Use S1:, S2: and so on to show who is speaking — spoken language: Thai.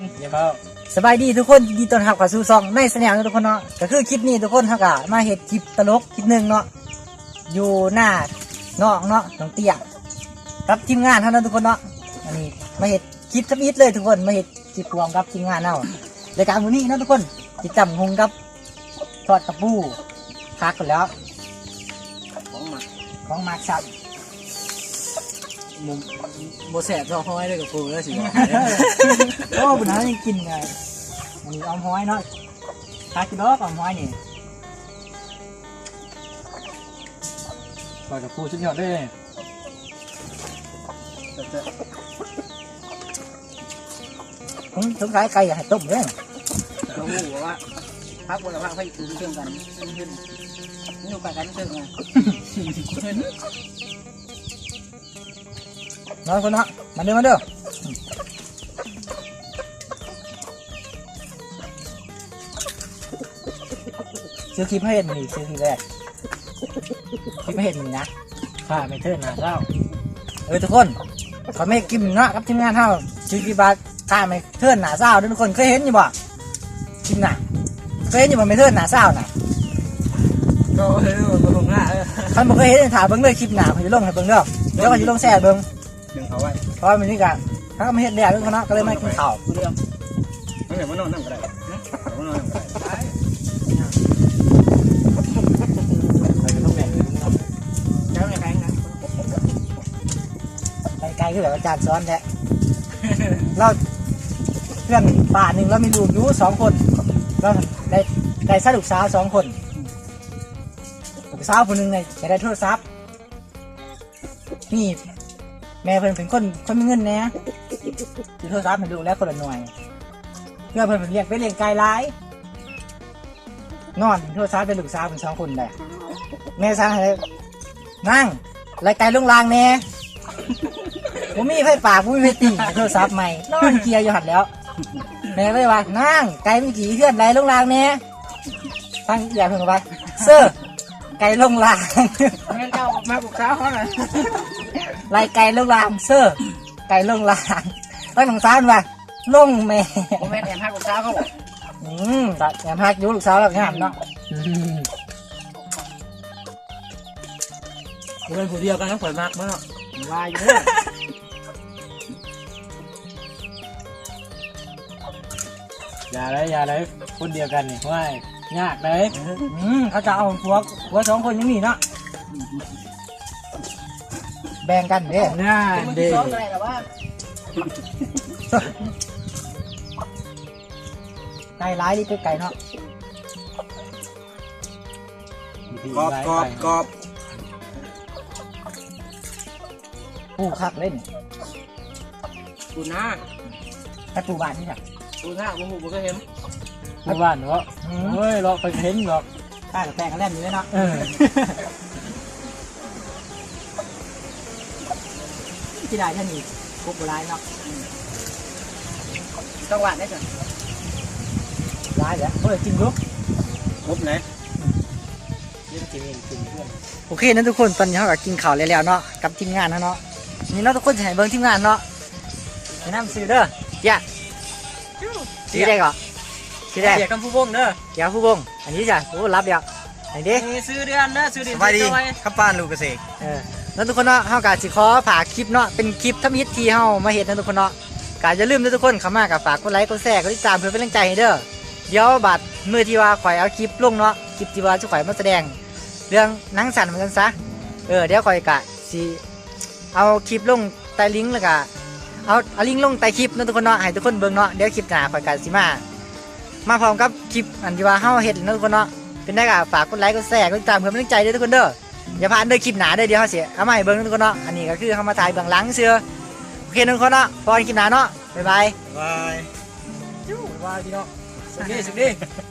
S1: อย่าเพิ่ง
S2: สบายดีทุกคนดีต้อนรับเข้าสู่ช่องในสแนลทุกคนเนาะก็คือคลิปนี้ทุกคนเขาก็มาเห็ดคลิปตลกคลิปหนึ่งเนาะอยู่หน้าน้องเนาะน้องเตี้ยกับทีมงานเท่านั้นทุกคนเนาะอันนี้มาเห็ดคลิปทับอิดเลยทุกคนมาเห็ดคลิปรวมกับทีมงานเนาะรายการวันนี้เนาะทุกคนติดจำหงกับทอดกระปูคักกันแล้วของหมักสับ
S1: มุมโบแสบเราห้อยเลยกับปูแล้วสิ
S2: โอ้บุญน้ายังกินไงอันนี้ออมห้อยเนาะคักกินดอกออมห้อยนี่
S1: ปล่อยกับปูชุดยอดด้วย
S2: ผมสงสัยไก่อยากให้ต้มเลย
S3: เขาบอกว่าพักบนพักให้ตื่นเชื่อมกันขึ้นนี่อยู่กันเชื่อมกัน
S2: น้อยคนเนาะมาเด้อมาเด้อซื้อคลิปให้เห็นมันนี่ซื้อคลิปแรกคลิปให้เห็นมันนี่นะ
S1: ข้าไม่เทิดหนาเจ้า
S2: ทุกคนเขาไม่กินเนาะกับทีมงานเท่าซื้อคลิปบาทข้าไม่เทิร์นหนาเศร้าด้วยทุกคนเคยเห็นอยู่บ่คลิปน่ะเคยเห็นอยู่บ่ไม่เทิร์นหนาเศร้าน่ะ
S1: ก็เฮ้ยมันลงหน้า
S2: ท่านบอกเคยเห็นถามเบิ้งเลยคลิปหนาเขาจะลงให้เบิ้งเด้อเดี๋ยวเขาจะลงแซ่เบิ้ง
S1: ดึงเขาไว้
S2: เพราะว่ามันนี่กันถ้าเขาไม่เห็นแดดด้วยเขาเนาะก็เลยไม่กินข้าว
S3: กูเดียว
S1: ไม่เห็นว่านอนนั่งก็ได้ว่านอนนั่งก็ได้ไปก็ต้องแบ่ง
S3: เจ้าอย่างไรนะ
S2: ไกลๆคือแบบอาจารย์ซ้อนแท้ เราเพื่อนป่าหนึ่งเรามีลูกอยู่2 คนเราได้สะดุกสาว2 คนลูกสาวคนหนึ่งเนี่ยจะได้โทรศัพท์นี่แม่เพิ่นเป็นคนมีเงินแน่ที่โทรศัพท์ให้ลูกแล้วคนละหน่วยเพื่อเพิ่นเป็นเลี้ยงไก่ร้ายนอนโทรศัพท์เป็นลูกสาวเป็น2 คนได้แม่สั่งให้นั่งไล่ไก่ลงรางแน่ผมมีไฟป่าผมมีไฟตีโทรศัพท์ใหม่นอนเกียร์อยู่หัดแล้วแม่เลยว่านั่งไก่มีกี่เพื่อนไล่ลงรางแน่ตั้งอย่าเพิ่งไปเสื้อไก่ลงราง
S3: งั้นเจ้ามาปลุกเช้าเขาหน่อย
S2: ไล่ไก่ลงรางเสื้อไก่ลงรางตั้งหนังซานว่าลงแม่
S3: ผมแม่แอบพักปลุกเช้าเขาบอก
S2: แอบพักอยู่ลูกสาวแล้วงามเนาะ
S1: เป็นผู้เดียวกันก็เปิดมากมั้ง
S3: วายอยู่
S1: อย่าเลยคนเดียวกันนี่ว่ายากเลย
S2: เขาจะเอาผัว2 คนยังมีเนาะแบ่งกันเด้
S1: ง่าย
S3: มัน
S1: ดี
S3: ซ้อมอะไรแต่ว่า
S2: ไก่ร้ายนี่เป็นไก่เนาะ
S1: กอบ
S2: ปูคักเล่น
S3: ปูหน้า
S2: แต่ปูบานนี่จ้ะ
S3: ปูหน้าปูหูปูก็เห็น
S1: ผู้บ้านเนาะเฮ้ยเราไปเห็นหรอก
S2: ข้ากับแป้งกันเล่นอยู่เลยเนาะที่ได้ท่านนี่กบร้ายเนาะ
S3: จังหวะได้จ้ะ
S2: ร้ายเหรอจริงลูก
S1: ครบไหน
S2: โอเคนะทุกคนตอนนี้เราก็กินข้าวแล้วเนาะกับทีมงานเนาะนี่เราทุกคนจะให้เบิ้งทีมงานเนาะแนะนำซื้อเด้อเจ้าซื้อได้ก่อนซื้อได้
S3: เสียกำผู้บงเด้อ
S2: เจ้าผู้บงอันนี้จ้ะโอ้รับเดียวอันนี้
S3: ซื้อเดือนเด้อซื้อเดือน
S1: ข้าป้านลูกเกษตร
S2: แล้วทุกคนเนาะเฮากะสิขอฝากคลิปเนาะเป็นคลิปทำฮิตที่เฮามาเฮ็ดนะทุกคนเนาะกะอย่าลืมนะทุกคนเข้ามากับฝากกดไลค์กดแชร์กดติดตามเพื่อเป็นกำลังใจให้เด้อเดี๋ยวบัดมื้อที่ว่าข่อยเอาคลิปลงเนาะคลิปที่ว่าจะข่อยมาแสดงเรื่องหนังสั่นเหมือนกันซะเดี๋ยวข่อยกะสิเอาคลิปลงใต้ลิงก์แล้วก็เอาลิงก์ลงใต้คลิปนะทุกคนเนาะให้ทุกคนเบิ่งเนาะเดี๋ยวคลิปหน้าข่อยกะสิมาพร้อมกับคลิปอันที่ว่าเฮาเฮ็ดนะทุกคนเนาะเป็นได้กะฝากกดไลค์กดแชร์กดติดตามเพื่อเป็นกำลังใจเด้อทุกคนเด้ออย่าพลาดเด้อคลิปหนาเด้อเดี๋ยวเขาเสียเอามาให้เบิ่งทุกคนเนาะอันนี้ก็คือเขามาถ่ายเบื้องหลังเสือโอเคทุกคนเนาะพอกันคลิปหนาเนาะบ๊ายบาย
S1: บาย
S2: บ๊ายบายพี่เนาะ
S3: สุดดีสุดดี